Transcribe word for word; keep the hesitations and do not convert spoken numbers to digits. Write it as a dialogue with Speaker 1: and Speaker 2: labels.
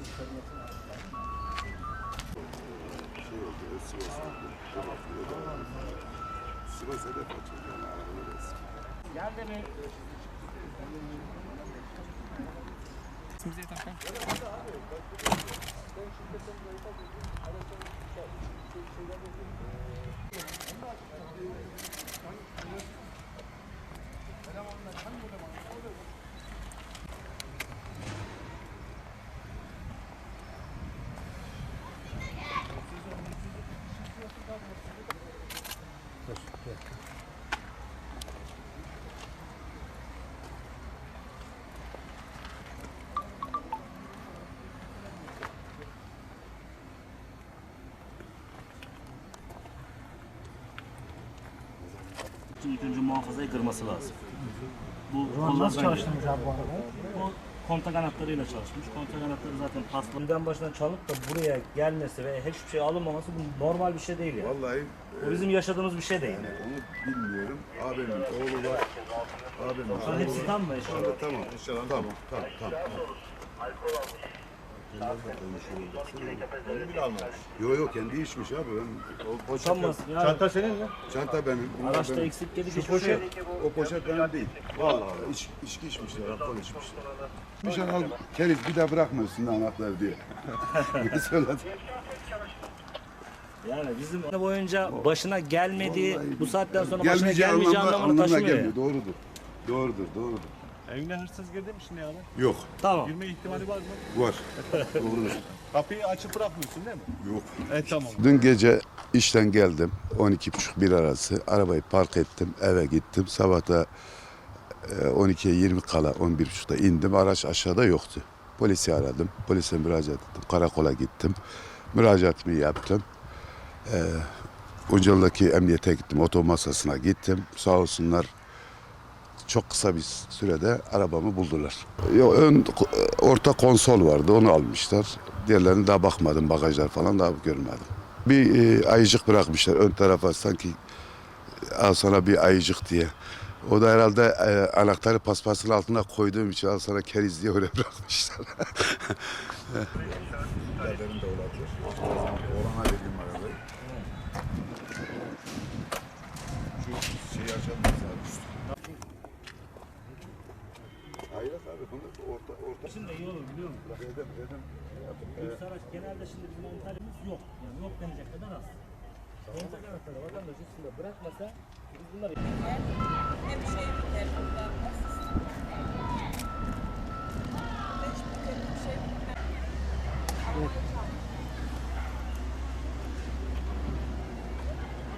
Speaker 1: Şey oldu, Sivas oldu. Sivas hedef açıldı yani arabalar eski.
Speaker 2: Geldi mi?
Speaker 3: Bize takar.
Speaker 2: İlk önce muhafazayı kırması lazım. Bu
Speaker 4: Nasıl
Speaker 2: kollardan
Speaker 4: çalıştınız abi bu arabayı?
Speaker 2: Bu kontak anahtarıyla çalışmış. Kontak anahtarı zaten paslı. Birden başına çalıp da buraya gelmesi ve hiçbir şey alınmaması bu normal bir şey değil yani.
Speaker 1: Vallahi
Speaker 2: O bizim yaşadığımız bir şey değil.
Speaker 1: yani onu bilmiyorum. Abimin oğlu var. Abimin
Speaker 2: Şu an hepsi tam mı? Şu anda
Speaker 1: tamam. İnşallah tamam. Tamam. Tamam.
Speaker 5: Onu bile almamış.
Speaker 1: Yok yok kendi içmiş abi. Ben, o
Speaker 2: utanmaz. Yani
Speaker 5: Çanta senin mi?
Speaker 1: çanta benim. bunlar
Speaker 2: araçta
Speaker 1: benim.
Speaker 2: eksik gedik
Speaker 1: Şu
Speaker 2: hiçbir şey yok.
Speaker 1: poşet, o poşet benim değil. Vallahi iç, içki içmişler, alkol içmişler. Nişan al, keriz bir daha bırakma üstünde anahtar diye. Ne söyledi?
Speaker 2: Yani bizim boyunca başına gelmediği,
Speaker 1: Vallahi
Speaker 2: bu saatten sonra başına
Speaker 1: gelmeyeceği
Speaker 2: gelmeyeceği
Speaker 1: anlamda,
Speaker 2: anlamını
Speaker 1: anlamına
Speaker 2: taşımıyor.
Speaker 1: gelmiyor.
Speaker 2: Yani.
Speaker 1: Doğrudur. Doğrudur, doğrudur.
Speaker 5: Evine hırsız girdi mi şimdi abi?
Speaker 1: Yok,
Speaker 2: Tamam.
Speaker 5: Girme ihtimali var mı?
Speaker 1: var. Doğrudur.
Speaker 5: Kapıyı açıp bırakmıyorsun değil mi?
Speaker 1: Yok.
Speaker 5: Evet tamam.
Speaker 1: Dün gece işten geldim. on iki buçuk bir arası. Arabayı park ettim. Eve gittim. Sabah da on ikiye yirmi kala on bir buçukta indim. Araç aşağıda yoktu. Polisi aradım. Polise müracaat ettim. Karakola gittim. Müracaatımı yaptım. Ee, Uncalı'daki emniyete gittim. Oto masasına gittim. Sağ olsunlar çok kısa bir sürede arabamı buldular. Yo, ön orta konsol vardı. Onu almışlar. Diğerlerine daha bakmadım. Bagajlar falan daha görmedim. Bir e, ayıcık bırakmışlar ön tarafa sanki al sana bir ayıcık diye. O da herhalde e, anahtarı paspasın altına koyduğum için al sana keriz diye öyle bırakmışlar. Benim de olabilir. Orhan'a verdiğim arabayı. Şu şeyi açalım abi üstü. Hayır abi bunu orta orta.
Speaker 2: Şimdi iyi olur biliyor musun?
Speaker 1: Dedim dedim.
Speaker 2: Lüks araç genelde şimdi bizim Antalya'mız yok. Yani yok denecek kadar az. Kontak anahtarı vatandaş üstünde bırakmasa biz bunları...